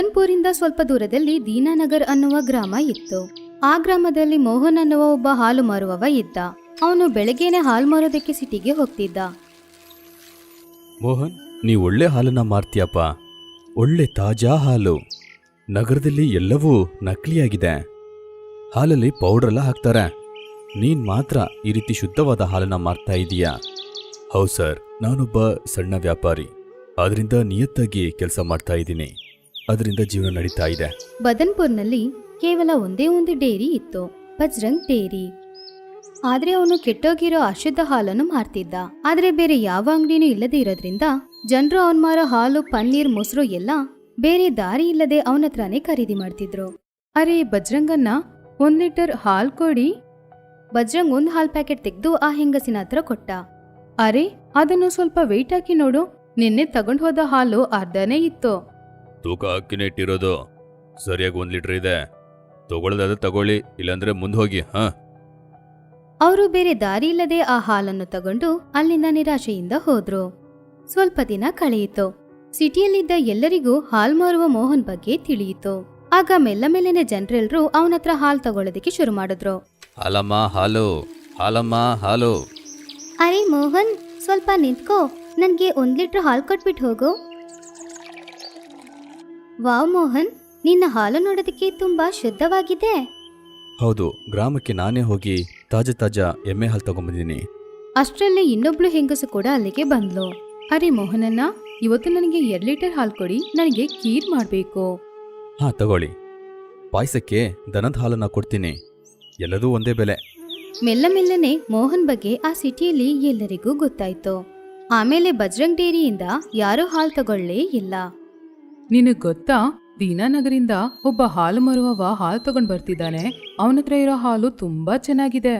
ಕಾನ್ಪುರಿಂದ ಸ್ವಲ್ಪ ದೂರದಲ್ಲಿ ದೀನಾನಗರ್ ಅನ್ನುವ ಗ್ರಾಮ ಇತ್ತು. ಆ ಗ್ರಾಮದಲ್ಲಿ ಮೋಹನ್ ಅನ್ನುವ ಒಬ್ಬ ಹಾಲು ಮಾರುವವ ಇದ್ದ. ಅವನು ಬೆಳಗ್ಗೆನೆ ಹಾಲು ಮಾರೋದಕ್ಕೆ ಸಿಟಿಗೆ ಹೋಗ್ತಿದ್ದ. ಮೋಹನ್, ನೀ ಒಳ್ಳೆ ಹಾಲನ್ನ ಮಾರ್ತೀಯಪ್ಪ. ಒಳ್ಳೆ ತಾಜಾ ಹಾಲು. ನಗರದಲ್ಲಿ ಎಲ್ಲವೂ ನಕಲಿಯಾಗಿದೆ. ಹಾಲಲ್ಲಿ ಪೌಡ್ರೆಲ್ಲ ಹಾಕ್ತಾರೆ. ನೀನ್ ಮಾತ್ರ ಈ ರೀತಿ ಶುದ್ಧವಾದ ಹಾಲನ್ನ ಮಾರ್ತಾ ಇದೀಯಾ? ಹೌದು ಸರ್, ನಾನೊಬ್ಬ ಸಣ್ಣ ವ್ಯಾಪಾರಿ. ಅದರಿಂದ ನಿಯತ್ತಾಗಿ ಕೆಲಸ ಮಾಡ್ತಾ ಇದ್ದೀನಿ. ಅದರಿಂದ ಜೀವನ ನಡೀತಾ ಇದೆ. ಬದನ್ಪುರ್ನಲ್ಲಿ ಕೇವಲ ಒಂದೇ ಒಂದು ಡೇರಿ ಇತ್ತು, ಬಜ್ರಂಗ್ ಡೇರಿ. ಆದ್ರೆ ಅವನು ಕೆಟ್ಟೋಗಿರೋ ಅಶುದ್ಧ ಹಾಲನ್ನು ಮಾರ್ತಿದ್ದ. ಆದ್ರೆ ಬೇರೆ ಯಾವ ಅಂಗಡಿನೂ ಇಲ್ಲದೆ ಇರೋದ್ರಿಂದ ಜನರು ಅವನ್ ಮಾರೋ ಹಾಲು, ಪನ್ನೀರ್, ಮೊಸರು ಎಲ್ಲ ಬೇರೆ ದಾರಿ ಇಲ್ಲದೆ ಅವನ ಹತ್ರನೇ ಖರೀದಿ ಮಾಡ್ತಿದ್ರು. ಅರೆ ಬಜ್ರಂಗನ್ನ 1 ಲೀಟರ್ ಹಾಲ್ ಕೊಡಿ. ಬಜ್ರಂಗ್ ಒಂದ್ ಹಾಲ್ ಪ್ಯಾಕೆಟ್ ತೆಗೆದು ಆ ಹೆಂಗಸಿನ ಹತ್ರ ಕೊಟ್ಟ. ಅರೆ ಅದನ್ನು ಸ್ವಲ್ಪ ವೆಯ್ಟ್ ಹಾಕಿ ನೋಡು. ನಿನ್ನೆ ತಗೊಂಡ್ ಹೋದ ಹಾಲು ಅರ್ಧನೇ ಇತ್ತು. ತೂಕ ಹಾಕಿನೇ ಇಟ್ಟಿರೋದು. ಸರಿಯಾಗಿ 1 ಲೀಟರ್ ಇದೆ. ತಗೊಳ್ಳೋದಾದ್ರೆ ತಗೊಳ್ಳಿ, ಇಲ್ಲಾಂದ್ರೆ ಮುಂದೆ ಹೋಗಿ. ಅವರು ಬೇರೆ ದಾರಿ ಇಲ್ಲದೆ ಆ ಹಾಲನ್ನು ತಗೊಂಡು ಅಲ್ಲಿಂದ ನಿರಾಶೆಯಿಂದ ಹೋದ್ರು. ಸ್ವಲ್ಪ ದಿನ ಕಳೆಯಿತು. ಸಿಟಿಯಲ್ಲಿದ್ದ ಎಲ್ಲರಿಗೂ ಹಾಲ್ ಮಾರುವ ಮೋಹನ್ ಬಗ್ಗೆ ತಿಳಿಯಿತು. ಆಗ ಮೆಲ್ಲ ಮೆಲ್ಲನೆ ಜನರೆಲ್ಲರೂ ಅವನ ಹತ್ರ ಹಾಲು ತಗೊಳ್ಳೋದಕ್ಕೆ ಶುರು ಮಾಡಿದ್ರು. ಹಾಲಮ್ಮ ಹಾಲು, ಹಾಲಮ್ಮ ಹಾಲು. ಅರೆ ಮೋಹನ್, ಸ್ವಲ್ಪ ನಿಂತ್ಕೋ, ನನ್ಗೆ 1 ಲೀಟರ್ ಹಾಲು ಕೊಟ್ಬಿಟ್ಟು ಹೋಗು. ವಾವ್ ಮೋಹನ್, ನಿನ್ನ ಹಾಲು ನೋಡೋದಕ್ಕೆ ತುಂಬಾ ಶುದ್ಧವಾಗಿದೆ. ಹೌದು, ಗ್ರಾಮಕ್ಕೆ ನಾನೇ ಹೋಗಿ ತಾಜಾ ಎಮ್ಮೆ ಹಾಲು ತಗೊಂಡ್ಬಂದಿದ್ದೀನಿ. ಅಷ್ಟರಲ್ಲಿ ಇನ್ನೊಬ್ಳು ಹೆಂಗಸು ಕೂಡ ಅಲ್ಲಿಗೆ ಬಂದ್ಲು. ಅರೆ ಮೋಹನನ್ನ, ಇವತ್ತು ನನಗೆ 2 ಲೀಟರ್ ಹಾಲು ಕೊಡಿ. ನನಗೆ ಖೀರ್ ಮಾಡ್ಬೇಕು. ತಗೊಳ್ಳಿ. ಪಾಯಸಕ್ಕೆ ದನದ ಹಾಲನ್ನ ಕೊಡ್ತೀನಿ. ಎಲ್ಲದೂ ಒಂದೇ ಬೆಲೆ. ಮೆಲ್ಲ ಮೆಲ್ಲನೆ ಮೋಹನ್ ಬಗ್ಗೆ ಆ ಸಿಟಿಯಲ್ಲಿ ಎಲ್ಲರಿಗೂ ಗೊತ್ತಾಯ್ತು. ಆಮೇಲೆ ಬಜ್ರಂಗ್ ಡೇರಿಯಿಂದ ಯಾರೂ ಹಾಲು ತಗೊಳ್ಳೇ ಇಲ್ಲ. ನಿನಗ್ ಗೊತ್ತಾ, ದೀನಾನಗರಿಂದ ಒಬ್ಬ ಹಾಲು ಮಾರುವವ ಹಾಲು ತಗೊಂಡ್ ಬರ್ತಿದ್ದಾನೆ. ಅವನತ್ರ ಇರೋ ಹಾಲು ತುಂಬಾ ಚೆನ್ನಾಗಿದೆ.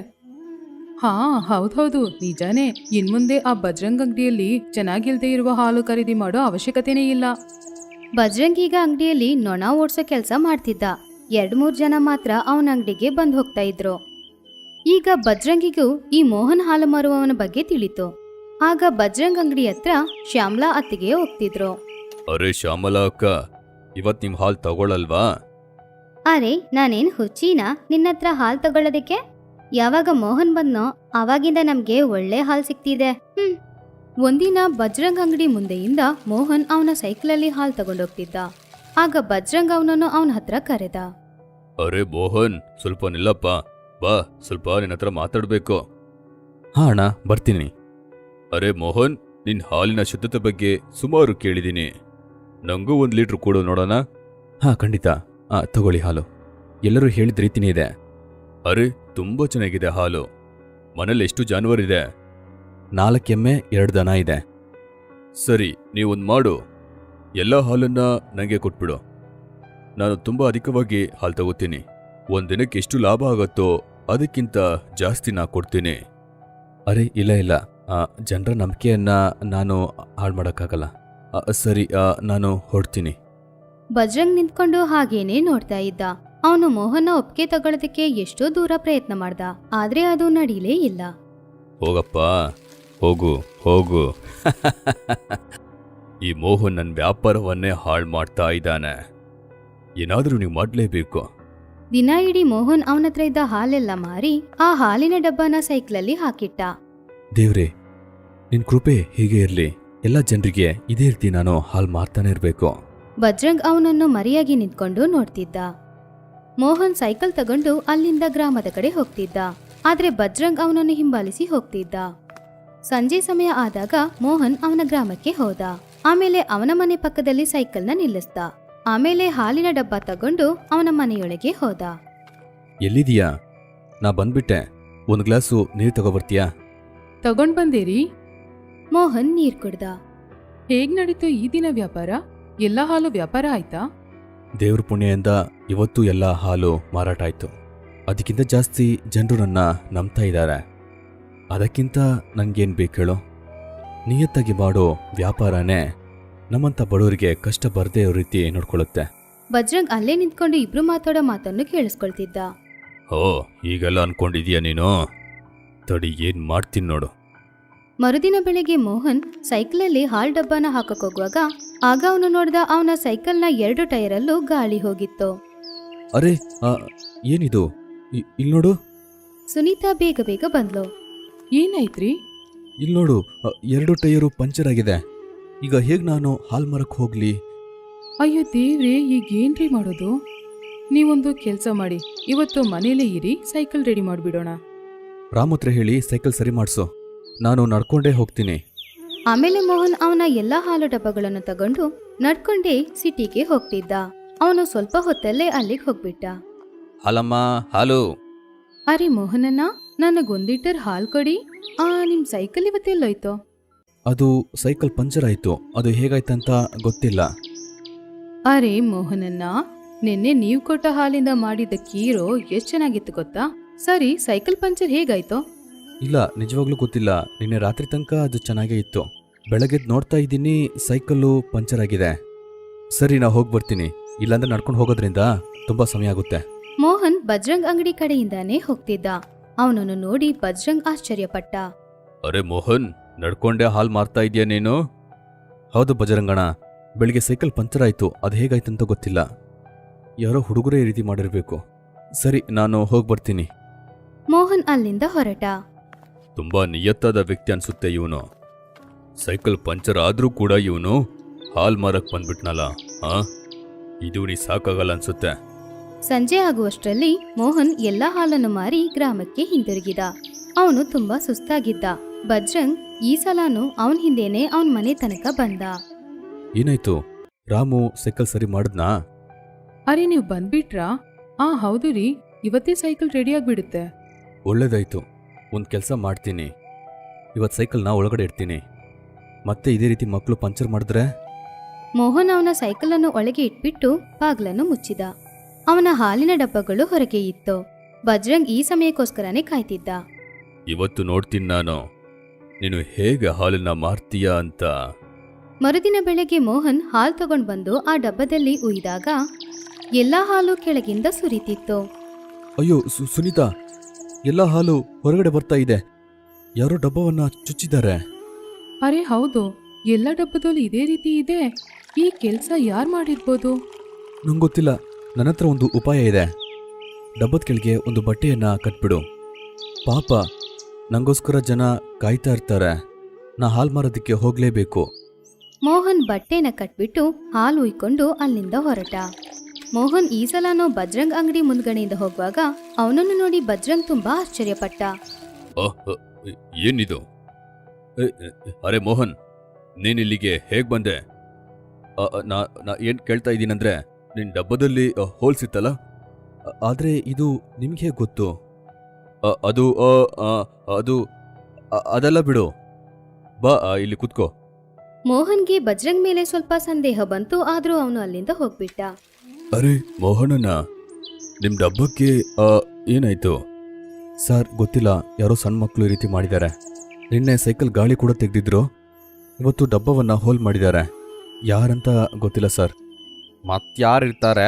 ಹೌದೌದು, ನಿಜಾನೇ. ಇನ್ಮುಂದೆ ಆ ಬಜ್ರಂಗ್ ಅಂಗಡಿಯಲ್ಲಿ ಚೆನ್ನಾಗಿಲ್ದೇ ಇರುವ ಹಾಲು ಖರೀದಿ ಮಾಡೋ ಅವಶ್ಯಕತೆನೇ ಇಲ್ಲ. ಬಜ್ರಂಗ್ ಈಗ ಅಂಗಡಿಯಲ್ಲಿ ನೊಣ ಓಡ್ಸೋ ಕೆಲಸ ಮಾಡ್ತಿದ್ದ. 2-3 ಜನ ಮಾತ್ರ ಅವನ ಅಂಗಡಿಗೆ ಬಂದ್ ಹೋಗ್ತಾ ಇದ್ರು. ಈಗ ಬಜ್ರಂಗಿಗೂ ಈ ಮೋಹನ್ ಹಾಲು ಮಾರುವವನ ಬಗ್ಗೆ ತಿಳಿತು. ಆಗ ಬಜ್ರಂಗ್ ಅಂಗಡಿ ಹತ್ರ ಶ್ಯಾಮ್ಲಾ ಅತ್ತಿಗೆ ಹೋಗ್ತಿದ್ರು. ಅರೆ ಶ್ಯಾಮಲಾ ಅಕ್ಕ, ಇವತ್ ನಿಮ್ ಹಾಲು ತಗೊಳ್ಳಲ್ವಾ? ಅರೆ ನಾನೇನ್ ಹುಚ್ಚಿನಾ ನಿನ್ನತ್ರ ಹಾಲು ತಗೊಳ್ಳೋದಕ್ಕೆ? ಯಾವಾಗ ಮೋಹನ್ ಬಂದ್ನೋ ಅವಾಗಿಂದ ನಮ್ಗೆ ಒಳ್ಳೆ ಹಾಲು ಸಿಕ್ತಿದೆ. ಒಂದಿನ ಬಜ್ರಂಗ್ ಅಂಗಡಿ ಮುಂದೆಯಿಂದ ಮೋಹನ್ ಅವನ ಸೈಕಲಲ್ಲಿ ಹಾಲು ತಗೊಂಡೋಗ್ತಿದ್ದ. ಆಗ ಬಜ್ರಂಗ್ ಅವನನ್ನು ಅವನ ಹತ್ರ ಕರೆದ. ಅರೆ ಮೋಹನ್, ಸ್ವಲ್ಪ ನಿಲ್ಲಪ್ಪ. ಬಾ, ಸ್ವಲ್ಪ ನಿನ್ನ ಹತ್ರ ಮಾತಾಡ್ಬೇಕು. ಅಣ್ಣ, ಬರ್ತೀನಿ. ಅರೆ ಮೋಹನ್, ನಿನ್ ಹಾಲಿನ ಶುದ್ಧತೆ ಬಗ್ಗೆ ಸುಮಾರು ಕೇಳಿದೀನಿ. ನಂಗೂ 1 ಲೀಟರ್ ಕೊಡು ನೋಡೋಣ. ಖಂಡಿತ. ತಗೊಳ್ಳಿ ಹಾಲು. ಎಲ್ಲರೂ ಹೇಳಿದ ರೀತಿನೇ ಇದೆ. ಅರೆ ತುಂಬಾ ಚೆನ್ನಾಗಿದೆ ಹಾಲು. ಮನೇಲಿ ಎಷ್ಟು ಜಾನುವಾರಿದೆ? 4 ಎಮ್ಮೆ, 2 ದನ ಇದೆ. ಸರಿ, ನೀವೊಂದು ಮಾಡು. ಎಲ್ಲ ಹಾಲನ್ನ ನನಗೆ ಕೊಟ್ಬಿಡು. ನಾನು ತುಂಬಾ ಅಧಿಕವಾಗಿ ಹಾಲು ತಗೋತೀನಿ. ಒಂದಿನಕ್ಕೆ ಎಷ್ಟು ಲಾಭ ಆಗತ್ತೋ ಅದಕ್ಕಿಂತ ಜಾಸ್ತಿ ನಾ ಕೊಡ್ತೀನಿ. ಅರೆ ಇಲ್ಲ, ಜನರ ನಂಬಿಕೆಯನ್ನ ನಾನು ಹಾಳು ಮಾಡೋಕ್ಕಾಗಲ್ಲ. ಸರಿ, ನಾನು ಹೊರಡ್ತೀನಿ. ಬಜ್ರಂಗ್ ನಿಂತ್ಕೊಂಡು ಹಾಗೇನೆ ನೋಡ್ತಾ ಇದ್ದ. ಅವನು ಮೋಹನ್ನ ಒಪ್ಪಿಗೆ ತಗೊಳ್ಳೋದಕ್ಕೆ ಎಷ್ಟೋ ದೂರ ಪ್ರಯತ್ನ ಮಾಡ್ದ, ಆದ್ರೆ ಅದು ನಡೀಲೇ ಇಲ್ಲ. ಹೋಗಪ್ಪ, ಹೋಗು. ಈ ಮೋಹನ್ ನನ್ನ ವ್ಯಾಪಾರವನ್ನೇ ಹಾಳು ಮಾಡ್ತಾ ಇದ್ದಾನೆ. ಏನಾದರೂ ನೀವು ಮಾಡಲೇಬೇಕು. ದಿನ ಇಡೀ ಮೋಹನ್ ಅವನತ್ರ ಇದ್ದ ಹಾಲೆಲ್ಲ ಮಾರಿ ಆ ಹಾಲಿನ ಡಬ್ಬನ ಸೈಕಲಲ್ಲಿ ಹಾಕಿಟ್ಟ. ದೇವ್ರೆ, ನಿನ್ ಕೃಪೆ ಹೀಗೆ ಇರ್ಲಿ. ಎಲ್ಲ ಜನರಿಗೆ ಇದೇ ರೀತಿ ನಾನು ಹಾಲು ಮಾರ್ತಾನೆ ಇರಬೇಕು. ಬಜ್ರಂಗ್ ಅವನನ್ನು ಮರೆಯಾಗಿ ನಿಂತ್ಕೊಂಡು ನೋಡ್ತಿದ್ದ. ಮೋಹನ್ ಸೈಕಲ್ ತಗೊಂಡು ಅಲ್ಲಿಂದ ಗ್ರಾಮದ ಕಡೆ ಹೋಗ್ತಿದ್ದ. ಆದ್ರೆ ಬಜ್ರಂಗ್ ಅವನನ್ನು ಹಿಂಬಾಲಿಸಿ ಹೋಗ್ತಿದ್ದ. ಸಂಜೆ ಸಮಯ ಆದಾಗ ಮೋಹನ್ ಅವನ ಗ್ರಾಮಕ್ಕೆ ಹೋದ. ಆಮೇಲೆ ಅವನ ಮನೆ ಪಕ್ಕದಲ್ಲಿ ಸೈಕಲ್ನ ನಿಲ್ಲಿಸ್ದ. ಆಮೇಲೆ ಹಾಲಿನ ಡಬ್ಬ ತಗೊಂಡು ಅವನ ಮನೆಯೊಳಗೆ ಹೋದ. ಎಲ್ಲಿದೀಯಾ? ನಾ ಬಂದ್ಬಿಟ್ಟೆ. 1 ಗ್ಲಾಸು ನೀರು ತಗೋಬರ್ತೀಯಾ? ತಗೊಂಡ್ ಬಂದೇರಿ. ಮೋಹನ್ ನೀರ್ ಕುಡ್ದ. ಹೇಗ್ ನಡೀತು ಈ ದಿನ ವ್ಯಾಪಾರ? ಎಲ್ಲ ಹಾಲು ವ್ಯಾಪಾರ ಆಯ್ತಾ? ದೇವ್ರ ಪುಣ್ಯದಿಂದ ಇವತ್ತು ಎಲ್ಲ ಹಾಲು ಮಾರಾಟ ಆಯ್ತು. ಅದಕ್ಕಿಂತ ಜಾಸ್ತಿ ಜನರು ನನ್ನ ನಂಬ್ತಾ ಇದ್ದಾರೆ. ಅದಕ್ಕಿಂತ ನನ್ಗೇನ್ ಬೇಕು ಹೇಳೋ? ನಿಯತ್ತಾಗಿ ಮಾಡೋ ವ್ಯಾಪಾರನೇ ನಮ್ಮಂತ ಬಡವರಿಗೆ ಕಷ್ಟ ಬರದೇ ಇರೋ ರೀತಿ ನೋಡ್ಕೊಳ್ಳುತ್ತೆ. ಬಜ್ರಂಗ್ ಅಲ್ಲೇ ನಿಂತ್ಕೊಂಡು ಇಬ್ರು ಮಾತಾಡೋ ಮಾತನ್ನು ಕೇಳಿಸ್ಕೊಳ್ತಿದ್ದ. ಈಗೆಲ್ಲ ಅನ್ಕೊಂಡಿದೀಯ ನೀನು? ತಡಿ, ಏನ್ ಮಾಡ್ತೀನಿ ನೋಡು. ಮರುದಿನ ಬೆಳಿಗ್ಗೆ ಮೋಹನ್ ಸೈಕಲಲ್ಲಿ ಹಾಲ್ ಡಬ್ಬನ ಹಾಕಕ್ ಹೋಗುವಾಗ ಆಗ ಅವನು ನೋಡ್ದ ಅವನ ಸೈಕಲ್ನ 2 ಟೈರಲ್ಲೂ ಗಾಳಿ ಹೋಗಿತ್ತು. ಅರೆ ಏನಿದು? ಇಲ್ಲಿ ನೋಡು. ಸುನೀತಾ ಬೇಗ ಬೇಗ ಬಂದ್ಲು. ಏನಾಯ್ತ್ರಿ? ಇಲ್ಲಿ ನೋಡು, 2 ಟೈರು ಪಂಚರ್ ಆಗಿದೆ. ಈಗ ಹೇಗೆ ನಾನು ಹಾಲ್ ಮರಕ್ಕೆ ಹೋಗ್ಲಿ? ಅಯ್ಯೋ ದೇವ್ರೆ, ಈಗೇನ್ರಿ ಮಾಡೋದು? ನೀವೊಂದು ಕೆಲಸ ಮಾಡಿ, ಇವತ್ತು ಮನೇಲೇ ಇರಿ, ಸೈಕಲ್ ರೆಡಿ ಮಾಡಿಬಿಡೋಣ. ರಾಮ್ ಹತ್ರ ಹೇಳಿ ಸೈಕಲ್ ಸರಿ ಮಾಡಿಸು, ನಾನು ನಡ್ಕೊಂಡೇ ಹೋಗ್ತೀನಿ. ಆಮೇಲೆ ಮೋಹನ್ ಅವನ ಎಲ್ಲಾ ಹಾಲು ಡಬ್ಬಗಳನ್ನು ತಗೊಂಡು ನಡ್ಕೊಂಡೇ ಸಿಟಿಗೆ ಹೋಗ್ತಿದ್ದ. ಅವನು ಸ್ವಲ್ಪ ಹೊತ್ತಲ್ಲೇ ಅಲ್ಲಿಗೆ ಹೋಗ್ಬಿಟ್ಟ. ಹಾಲಮ್ಮ, ಹಾಲು. ಅರೆ ಮೋಹನಣ್ಣ, ನನಗೊಂದು ಲೀಟರ್ ಹಾಲು ಕೊಡಿ. ನಿಮ್ ಸೈಕಲ್ ಇವತ್ತೆಲ್ಲೋಯ್ತು? ಅದು ಸೈಕಲ್ ಪಂಚರ್ ಆಯ್ತು. ಅದು ಹೇಗಾಯ್ತಂತ ಗೊತ್ತಿಲ್ಲ. ಅರೆ ಮೋಹನಣ್ಣ, ನಿನ್ನೆ ನೀವು ಕೊಟ್ಟ ಹಾಲಿಂದ ಮಾಡಿದ ಕೀರು ಎಷ್ಟು ಚೆನ್ನಾಗಿತ್ತು ಗೊತ್ತಾ? ಸರಿ, ಸೈಕಲ್ ಪಂಚರ್ ಹೇಗಾಯ್ತು? ಇಲ್ಲ, ನಿಜವಾಗ್ಲೂ ಗೊತ್ತಿಲ್ಲ. ನಿನ್ನೆ ರಾತ್ರಿ ತನಕ ಅದು ಚೆನ್ನಾಗೇ ಇತ್ತು. ಬೆಳಗ್ಗೆದ್ ನೋಡ್ತಾ ಇದ್ದೀನಿ ಸೈಕಲ್ಲು ಪಂಚರ್ ಆಗಿದೆ. ಸರಿ, ನಾ ಹೋಗಿ ಬರ್ತೀನಿ. ಇಲ್ಲಾಂದ್ರೆ ನಡ್ಕೊಂಡು ಹೋಗೋದ್ರಿಂದ ತುಂಬಾ ಸಮಯ ಆಗುತ್ತೆ. ಮೋಹನ್ ಬಜ್ರಂಗ್ ಅಂಗಡಿ ಕಡೆಯಿಂದಾನೇ ಹೋಗ್ತಿದ್ದ. ಅವನನ್ನು ನೋಡಿ ಬಜ್ರಂಗ್ ಆಶ್ಚರ್ಯಪಟ್ಟ. ಅರೆ ಮೋಹನ್, ನಡ್ಕೊಂಡೇ ಹಾಲ್ ಮಾರ್ತಾ ಇದೀಯ ನೀನು? ಹೌದು ಬಜರಂಗಣ, ಬೆಳಿಗ್ಗೆ ಸೈಕಲ್ ಪಂಚರ್ ಆಯ್ತು. ಅದು ಹೇಗಾಯ್ತಂತ ಗೊತ್ತಿಲ್ಲ. ಯಾರೋ ಹುಡುಗರೇ ಈ ರೀತಿ ಮಾಡಿರ್ಬೇಕು. ಸರಿ, ನಾನು ಹೋಗಿ ಬರ್ತೀನಿ. ಮೋಹನ್ ಅಲ್ಲಿಂದ ಹೊರಟ. ತುಂಬಾ ನಿಯತ್ತಾದ ವ್ಯಕ್ತಿ ಅನ್ಸುತ್ತೆ ಇವನು. ಸೈಕಲ್ ಪಂಚರ್ ಆದ್ರೂ ಕೂಡ ಇವನು ಹಾಲ್ ಮಾರಕ್ ಬಂದ್ಬಿಟ್ನಲ್ಲ. ಇದು ನೀ ಸಾಕಾಗಲ್ಲ ಅನ್ಸುತ್ತೆ. ಸಂಜೆ ಆಗುವಷ್ಟರಲ್ಲಿ ಮೋಹನ್ ಎಲ್ಲಾ ಹಾಲನ್ನು ಮಾರಿ ಗ್ರಾಮಕ್ಕೆ ಹಿಂದಿರುಗಿದ. ಅವನು ತುಂಬಾ ಸುಸ್ತಾಗಿದ್ದ. ಬಜ್ರಂಗ್ ಈ ಸಲನೂ ಅವನ್ ಹಿಂದೆನೆ ಅವನ್ ಮನೆ ತನಕ ಬಂದ. ಏನಾಯ್ತು? ರಾಮು ಸೈಕಲ್ ಸರಿ ಮಾಡಿದ್ನಾ? ಅರೆ ನೀವು ಬಂದ್ಬಿಟ್ರಾ? ಹೌದು ರೀ, ಇವತ್ತೇ ಸೈಕಲ್ ರೆಡಿ ಆಗ್ಬಿಡುತ್ತೆ. ಒಳ್ಳೇದಾಯ್ತು. ಒಂದು ಕೆಲಸ ಮಾಡ್ತೀನಿ, ಇವತ್ತು ಸೈಕಲ್ನ ಒಳಗಡೆ ಇಡ್ತೀನಿ. ಮತ್ತೆ ಇದೇ ರೀತಿ ಮಕ್ಕಳು ಪಂಚರ್ ಮಾಡಿದ್ರೆ? ಮೋಹನ್ ಅವನ ಸೈಕಲನ್ನು ಒಳಗೆ ಇಟ್ಬಿಟ್ಟು ಬಾಗ್ಲನ್ನು ಮುಚ್ಚಿದ. ಅವನ ಹಾಲಿನ ಡಬ್ಬಗಳು ಹೊರಗೆ ಇತ್ತು. ಬಜ್ರಂಗ್ ಈ ಸಮಯಕ್ಕೋಸ್ಕರನೇ ಕಾಯ್ತಿದ್ದ. ಇವತ್ತು ನೋಡ್ತೀನಿ ನಾನು ನೀನು ಹೇಗೆ ಹಾಲನ್ನ ಮಾರ್ತೀಯಾ ಅಂತ. ಮರುದಿನ ಬೆಳಗ್ಗೆ ಮೋಹನ್ ಹಾಲು ತಗೊಂಡ್ ಬಂದು ಆ ಡಬ್ಬದಲ್ಲಿ ಉಯ್ದಾಗ ಎಲ್ಲಾ ಹಾಲು ಕೆಳಗಿಂದ ಸುರಿತಿತ್ತು. ಅಯ್ಯೋ ಸುನೀತಾ, ಎಲ್ಲ ಹಾಲು ಹೊರಗಡೆ ಬರ್ತಾ ಇದೆ. ಯಾರೋ ಡಬ್ಬವನ್ನ ಚುಚ್ಚಿದ್ದಾರೆ. ಅರೆ ಹೌದು, ಎಲ್ಲ ಡಬ್ಬದಲ್ಲೂ ಇದೇ ರೀತಿ ಇದೆ. ಈ ಕೆಲಸ ಯಾರು ಮಾಡಿರ್ಬೋದು? ನಂಗೆ ಗೊತ್ತಿಲ್ಲ. ನನ್ನ ಹತ್ರ ಒಂದು ಉಪಾಯ ಇದೆ. ಡಬ್ಬದ ಕೆಳಗೆ ಒಂದು ಬಟ್ಟೆಯನ್ನ ಕಟ್ಬಿಡು. ಪಾಪ, ನಂಗೋಸ್ಕರ ಜನ ಕಾಯ್ತಾ ಇರ್ತಾರೆ. ನಾ ಹಾಲ್ ಮಾರೋದಕ್ಕೆ ಹೋಗ್ಲೇಬೇಕು. ಮೋಹನ್ ಬಟ್ಟೆನ ಕಟ್ಬಿಟ್ಟು ಹಾಲು ಉಯ್ಕೊಂಡು ಅಲ್ಲಿಂದ ಹೊರಟ. ಮೋಹನ್ ಈ ಸಲನೂ ಬಜ್ರಂಗ್ ಅಂಗಡಿ ಮುಂದ್ಗಡೆಯಿಂದ ಹೋಗುವಾಗ ಅವನನ್ನು ನೋಡಿ ಬಜ್ರಂಗ್ ತುಂಬಾ ಆಶ್ಚರ್ಯಪಟ್ಟ. ಏನಿದು? ಅರೆ ಮೋಹನ್, ನೀನಿಲ್ಲಿಗೆ ಹೇಗ್ ಬಂದೆ? ನಾ ಏನ್ ಕೇಳ್ತಾ ಇದ್ದೀನಂದ್ರೆ, ನಿನ್ ಡಬ್ಬದಲ್ಲಿ ಹೋಲ್ಸಿತ್ತಲ್ಲ, ಆದ್ರೆ ಇದು ನಿಮ್ಗೆ ಹೇಗೆ ಗೊತ್ತು? ಅದು ಅದು ಅದೆಲ್ಲ ಬಿಡು, ಬಾ ಇಲ್ಲಿ ಕುತ್ಕೋ. ಮೋಹನ್ಗೆ ಬಜ್ರಂಗ್ ಮೇಲೆ ಸ್ವಲ್ಪ ಸಂದೇಹ ಬಂತು. ಆದ್ರೂ ಅವನು ಅಲ್ಲಿಂದ ಹೋಗ್ಬಿಟ್ಟ. ಅರೆ ಮೋಹನಣ್ಣ, ನಿಮ್ ಡಬ್ಬಕ್ಕೆ ಏನಾಯ್ತು? ಸರ್ ಗೊತ್ತಿಲ್ಲ, ಯಾರೋ ಸಣ್ಣ ಮಕ್ಕಳು ಈ ರೀತಿ ಮಾಡಿದ್ದಾರೆ. ನಿನ್ನೆ ಸೈಕಲ್ ಗಾಳಿ ಕೂಡ ತೆಗೆದಿದ್ರು. ಇವತ್ತು ಡಬ್ಬವನ್ನ ಹೋಲ್ ಮಾಡಿದ್ದಾರೆ. ಯಾರಂತ ಗೊತ್ತಿಲ್ಲ ಸರ್. ಮತ್ತಾರಿರ್ತಾರೆ?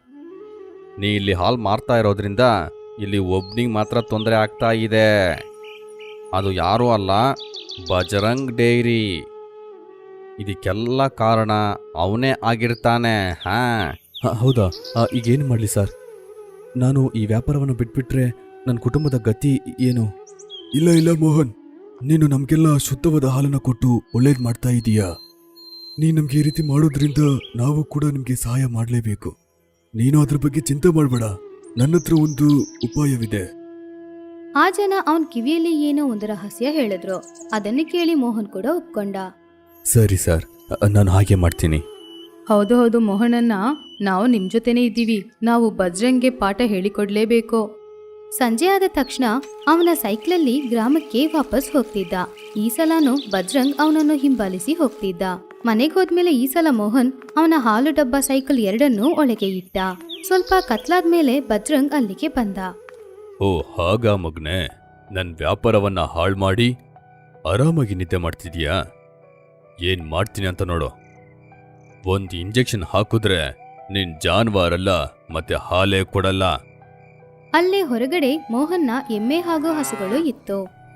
ನೀ ಇಲ್ಲಿ ಹಾಲ್ ಮಾರ್ತಾ ಇರೋದ್ರಿಂದ ಇಲ್ಲಿ ಒಬ್ನಿಗೆ ಮಾತ್ರ ತೊಂದರೆ ಆಗ್ತಾ ಇದೆ. ಅದು ಯಾರೂ ಅಲ್ಲ, ಬಜರಂಗ್ ಡೈರಿ. ಇದಕ್ಕೆಲ್ಲ ಕಾರಣ ಅವನೇ ಆಗಿರ್ತಾನೆ. ಹೌದಾ? ಈಗೇನು ಮಾಡಲಿ ಸರ್? ನಾನು ಈ ವ್ಯಾಪಾರವನ್ನು ಬಿಟ್ಬಿಟ್ರೆ ನನ್ನ ಕುಟುಂಬದ ಗತಿ ಏನು? ಇಲ್ಲ ಮೋಹನ್, ನೀನು ನಮಗೆಲ್ಲ ಶುದ್ಧವಾದ ಹಾಲನ್ನು ಕೊಟ್ಟು ಒಳ್ಳೇದು ಮಾಡ್ತಾ ಇದೀಯಾ. ನೀನು ನಮಗೆ ಈ ರೀತಿ ಮಾಡೋದ್ರಿಂದ ನಾವು ಕೂಡ ನಿಮಗೆ ಸಹಾಯ ಮಾಡಲೇಬೇಕು. ನೀನು ಅದ್ರ ಬಗ್ಗೆ ಚಿಂತೆ ಮಾಡಬೇಡ, ನನ್ನ ಹತ್ರ ಒಂದು ಉಪಾಯವಿದೆ. ಆ ಜನ ಅವನ್ ಕಿವಿಯಲ್ಲಿ ಏನೋ ಒಂದು ರಹಸ್ಯ ಹೇಳಿದ್ರು. ಅದನ್ನು ಕೇಳಿ ಮೋಹನ್ ಕೂಡ ಒಪ್ಕೊಂಡ. ಸರಿ ಸರ್, ನಾನು ಹಾಗೆ ಮಾಡ್ತೀನಿ. ಹೌದು ಹೌದು ಮೋಹನಣ್ಣ, ನಾವು ನಿಮ್ ಜೊತೆನೇ ಇದ್ದೀವಿ. ನಾವು ಬಜ್ರಂಗ್ಗೆ ಪಾಠ ಹೇಳಿಕೊಡ್ಲೇಬೇಕು. ಸಂಜೆ ಆದ ತಕ್ಷಣ ಅವನ ಸೈಕ್ಲಲ್ಲಿ ಗ್ರಾಮಕ್ಕೆ ವಾಪಸ್ ಹೋಗ್ತಿದ್ದ. ಈ ಸಲನೂ ಬಜ್ರಂಗ್ ಅವನನ್ನು ಹಿಂಬಾಲಿಸಿ ಹೋಗ್ತಿದ್ದ. ಮನೆಗೆ ಹೋದ್ಮೇಲೆ ಈ ಸಲ ಮೋಹನ್ ಅವನ ಹಾಲು ಡಬ್ಬ ಸೈಕಲ್ ಎರಡನ್ನೂ ಒಳಗೆ ಇಟ್ಟ. ಸ್ವಲ್ಪ ಕತ್ಲಾದ್ಮೇಲೆ ಬಜ್ರಂಗ್ ಅಲ್ಲಿಗೆ ಬಂದ. ಓ ಹಾಗಾ ಮಗ್ನೆ, ನನ್ನ ವ್ಯಾಪಾರವನ್ನ ಹಾಳು ಮಾಡಿ ಆರಾಮಾಗಿ ನಿದ್ದೆ ಮಾಡ್ತಿದ್ಯಾ? ಏನ್ ಮಾಡ್ತೀನಿ ಅಂತ ನೋಡು. ಒಂದು ಇಂಜೆಕ್ಷನ್ ಹಾಕಿದ್ರೆ ನಿನ್ ಜಾನ್ವಾರಲ್ಲ, ಮತ್ತೆ ಹಾಲೇ ಕೊಡಲ್ಲ. ಅಲ್ಲೇ ಹೊರಗಡೆ ಮೋಹನ್ನ ಎಮ್ಮೆ ಹಾಗೂ ಹಸುಗಳು ಇತ್ತು.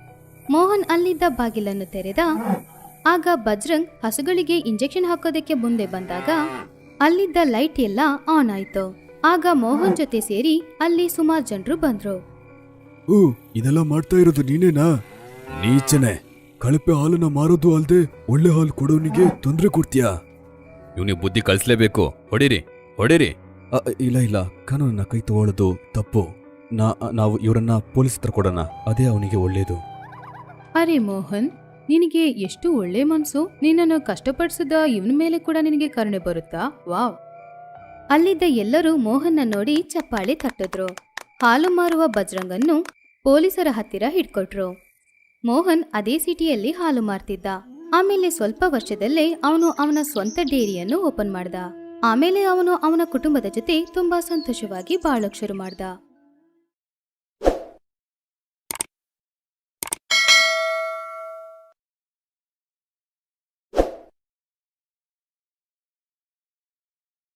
ಮೋಹನ್ ಅಲ್ಲಿದ್ದ ಬಾಗಿಲನ್ನು ತೆರೆದ. ಆಗ ಬಜ್ರಂಗ್ ಹಸುಗಳಿಗೆ ಇಂಜೆಕ್ಷನ್ ಹಾಕೋದಕ್ಕೆ ಮುಂದೆ ಬಂದಾಗ ಅಲ್ಲಿದ್ದ ಲೈಟ್ ಎಲ್ಲ ಆನ್ ಆಯ್ತು. ಆಗ ಮೋಹನ್ ಜೊತೆ ಸೇರಿ ಅಲ್ಲಿ ಸುಮಾರು ಜನರು ಬಂದ್ರು. ಓ, ಇದೆಲ್ಲ ಮಾಡ್ತಾ ಇರೋದು ನೀನೇನಾ? ನೀಚನೆ, ಕಳಪೆ ಹಾಲನ್ನ ಮಾರೋದು ಅಲ್ದೆ ಒಳ್ಳೆ ಹಾಲು ಕೊಡೋನಿಗೆ ತೊಂದರೆ ಕೊಡ್ತೀಯಾ? ಇವನಿಗೆ ಬುದ್ಧಿ ಕಲಿಸ್ಲೇಬೇಕು. ಹೊಡಿರಿ ಹೊಡಿರಿ. ಇಲ್ಲ ಇಲ್ಲ, ಕಾನೂನನ್ನ ಕೈ ತಗೊಳ್ಳೋದು ತಪ್ಪು. ನಾವು ಇವರನ್ನ ಪೊಲೀಸ್ ಹತ್ರ ಕೊಡೋಣ, ಅದೇ ಅವನಿಗೆ ಒಳ್ಳೇದು. ಅರೆ ಮೋಹನ್, ನಿನಗೆ ಎಷ್ಟು ಒಳ್ಳೆ ಮನ್ಸು. ನಿನ್ನನ್ನು ಕಷ್ಟಪಡಿಸಿದ ಇವನ ಮೇಲೆ ಕೂಡ ನಿನಗೆ ಕರುಣೆ ಬರುತ್ತಾ? ವಾವ್. ಅಲ್ಲಿದ್ದ ಎಲ್ಲರೂ ಮೋಹನ್ನ ನೋಡಿ ಚಪ್ಪಾಳೆ ತಟ್ಟಿದ್ರು. ಹಾಲು ಮಾರುವ ಬಜ್ರಂಗನ್ನು ಪೊಲೀಸರ ಹತ್ತಿರ ಹಿಡ್ಕೊಟ್ರು. ಮೋಹನ್ ಅದೇ ಸಿಟಿಯಲ್ಲಿ ಹಾಲು ಮಾರ್ತಿದ್ದ. ಆಮೇಲೆ ಸ್ವಲ್ಪ ವರ್ಷದಲ್ಲೇ ಅವನು ಅವನ ಸ್ವಂತ ಡೇರಿಯನ್ನು ಓಪನ್ ಮಾಡ್ದ. ಆಮೇಲೆ ಅವನು ಅವನ ಕುಟುಂಬದ ಜೊತೆ ತುಂಬಾ ಸಂತೋಷವಾಗಿ ಬಾಳೋಕ್ ಶುರು ಮಾಡ್ದ.